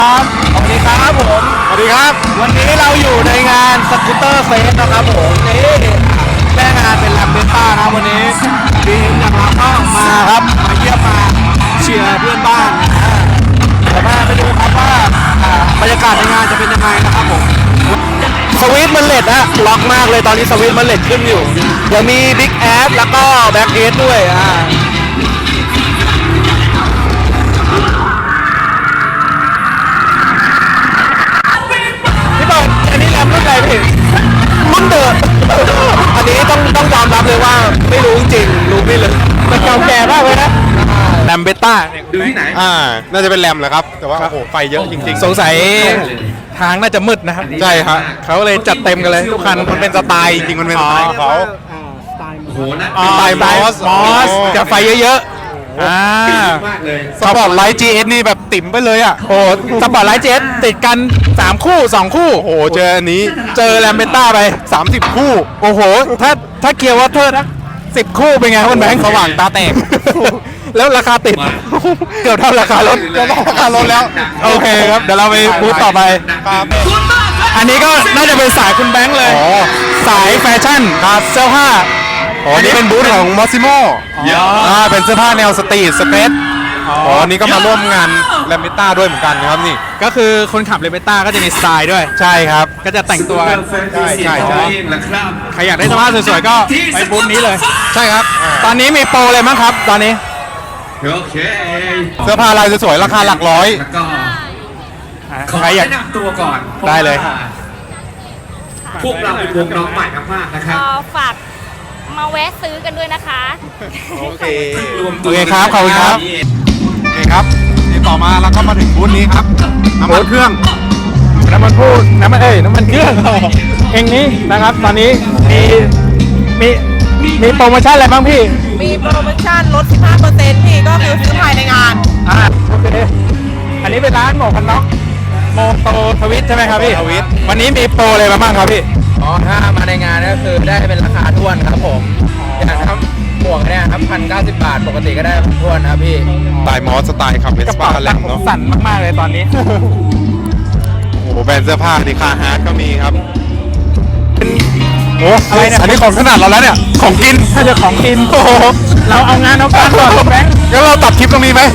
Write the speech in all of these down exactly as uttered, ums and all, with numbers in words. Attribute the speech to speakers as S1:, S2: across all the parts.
S1: ครับสวัสดีครับผมสวัสดีครับวันนี้เราอยู่ในงานสกูตเตอร์เฟสนะครับผมนี่แม่งานเป็นแลมเบต้านะวันนี้ดีมจากเราก็มาครับมาเยี่ยมมาเชียร์เพื่อนบ้านนะเดี๋ยวมาไปดูครับว่าบรรยากาศในงานจะเป็นยังไงนะครับผมสวิตมันเลดนะล็อกมากเลยตอนนี้สวิตมันเลดขึ้นอยู่เดี๋ยวมีบิ๊กแอดแล้วก็แบ็กเอสด้วยอ่าอันนี้แรมรุ่นอะไรพี่รุ่นเดิมอันนี้ต้องต้องยอมรับเลยว่าไม่รู้จริงรู้ไม่เลยมันเก่าแก่มากเลยนะแรมเบต้า
S2: ดูที่ไหน
S3: อ่าน่าจะเป็นแรมแหละครับแต่ว่าโอ้โหไฟเยอะจริงๆ
S1: สงสัยทางน่าจะมืดนะครับ
S3: ใช่ครับ
S1: เขาเลยจัดเต็มกันเลยทุกคันมันเป็นสไตล์จริงมันเป็นสไตล์เขา
S2: โอ้โหนะ
S1: สไตล์มอสมอสจะไฟเยอะๆอ่าม
S2: ากเลย
S1: สปอร์ตไลท์ จี เอส นี่แบบติ่มไปเลยอ่ะโอ้สปอร์ตไลท์ จี เอส ติดกันสามคู่สองคู่
S3: โอ้โหเจออันนี้
S1: เจอแรมเบต้าไป
S3: สามสิบคู่
S1: โอ้โหถ้าถ้าเกียร์วอเตอร์นะสิบคู่เป็นไงคุณแบงค์
S3: สว่างตาแตก
S1: แล้วราคาติดเกือบเท่าราคารถ
S3: เกือบเท่าราคารถแล้ว
S1: โอเคครับเดี๋ยวเราไปบูธต่อไป
S3: ครับ
S1: อันนี้ก็น่าจะเป็นสายคุณแบงค์เลยสายแฟชั่นครับเสื้อผ้า
S3: อ๋อนี่เป็นบูธของมอสซิโม่อ่าเป็นเสื้อผ้าแนวสตรีทสเปซอ๋อนี่ก็มาร่วมงานแรมเบต้าด้วยเหมือนกันครับนี่
S1: ก็คือคนขับแรมเบต้าก็จะมีสไตล์ด้วย
S3: ใช่ครับ
S1: ก็จะแต่งตัวกัน
S3: ใช่ใช่ใช่
S1: ใครอยากได้เสื้อผ้าสวยๆก็ไปบูธนี้เลย
S3: ใช่ครับ
S1: ตอนนี้มีโปรเลยมั้งครับตอนนี้
S2: โอเค
S3: เสื้อผ้าลายสวยๆราคาหลักร้อย
S2: แล้วก็ขอ
S1: ใครอยาก
S2: แนะนำตัวก่อน
S1: ได้เลย
S2: พวกเราเป็นวงน้องใหม่มากๆนะครับ
S4: ฝากมาแวะซื้อกันด้วยนะคะ
S3: โอเค
S2: รวม
S1: โอเคครับขอบคุณครับ
S3: โอเคครับนี่ต่อมาเราก็มาถึงบูธนี้ครับน้ำมันเครื่อง
S1: น้ำมันพูดน้ำมันเอ้ยน้ำมันเครื่องเองนี้นะครับตอนนี้มีมีมีโปรโมชั่นอะไรบ้างพี่
S5: มีโปรโมชั่นลด สิบห้าเปอร์เซ็นต์ พี่ก็คือซื้อภายในงาน
S1: อ่าโอเคอันนี้เป็นร้านหมวกกันน็อกโมโตทวิตใช่ไหมครับพี่ทวิตวันนี้มีโปรอะไรมาบ้างครับพี่
S6: อ๋อถ้ามาในงานก็คือได้เป็นราคาท้วนครับผมอย่างครับหมวกเนี่ยครับพันเก้าสิบบาทปกติก็ได้ท้วนครับพี่
S3: สไตล์มอสสไตล์ขับเวสป้าแลมเนาะ
S1: สั่นมากๆเลยตอนนี้
S3: โอ้โหแบรนด์เสื้อผ้าดิคาฮาร์ดก็มีครับ
S1: โอ้อะไรเนี่ย
S3: อันนี้ของขนาดเราแล้วเนี่ยของกิน
S1: ถ้าจะของกินโอ้โหเราเอางานเอาการก่อนแบงค์
S3: งั้นเราตัดคลิปตรงนี้ไหม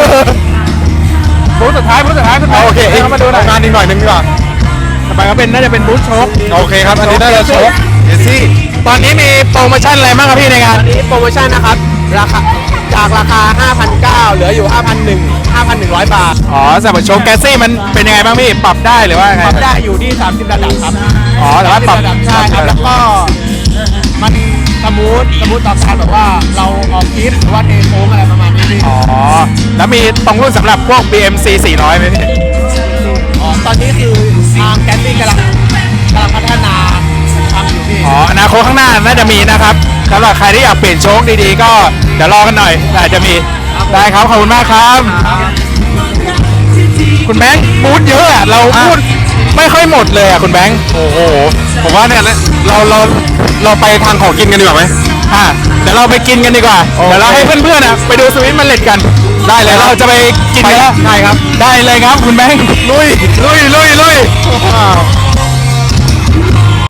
S1: บูธสุดท้ายบูธสุดท้ายคุณโอเค
S3: เข้ามาดูงานอีกหน่อยนึงดีกว่า
S1: ต่อไปก็เป็นน่าจะเป็นบูธโชค
S3: โอเคครับอันนี้น่าจะโชคเอซี่
S1: ตอนนี้มีโปรโมชั่นอะไรบ้างครับพี่ในงาน
S5: ตอนนี้โปรโมชั่นนะครับราคาจากราคา ห้าพันเก้าร้อย เหลืออยู่ ห้าพันหนึ่งร้อย บาท
S1: อ๋อสำหรับโชว์แกสซี่มันเป็นยังไงบ้างพี่ปรับได้หรือว่าไง
S5: ปรับได้อยู่ที่สามสิบระดับครับ
S1: อ๋อแต่ว่าปรับ
S5: ระดับใช่ครับแล้วก็มันสมูทสมูทต่อการแบบว่าเราออกคลิปหรือว่าเทโค้งอะไรประมาณนี้พี่
S1: อ๋อแล้วมีตรงรุ่นสำหรับพวก บี เอ็ม ซี สี่ร้อยไหมพี่
S5: อ๋อตอนนี้คือทางแกนซี่กำลังกำลังพัฒนาทำอยู่พี่
S1: อ๋ออนาคตข้างหน้าน่าจะมีนะครับสำหรับใครที่อยากเปลี่ยนโชคดีๆก็เดี๋ยวรอกันหน่อยอาจจะมีได้ครับขอบคุณมากครับคุณแบงค์พูดเยอะอ่ะเราพูดไม่ค่อยหมดเลยอ่ะคุณแบงค์
S3: โอ้โหผมว่าเนี่ยเราเราเราไปทางของกินกันดีกว่าไหม
S1: อ่ะเดี๋ยวเราไปกินกันดีกว่าเดี๋ยวเราให้เพื่อนๆอ่ะไปดูสวิตมันเล็ดกันได้เลยเราจะไปกินกันแล้วใช่ครับได้เลยครับคุณแบงค์ลุยลุยลุยลุย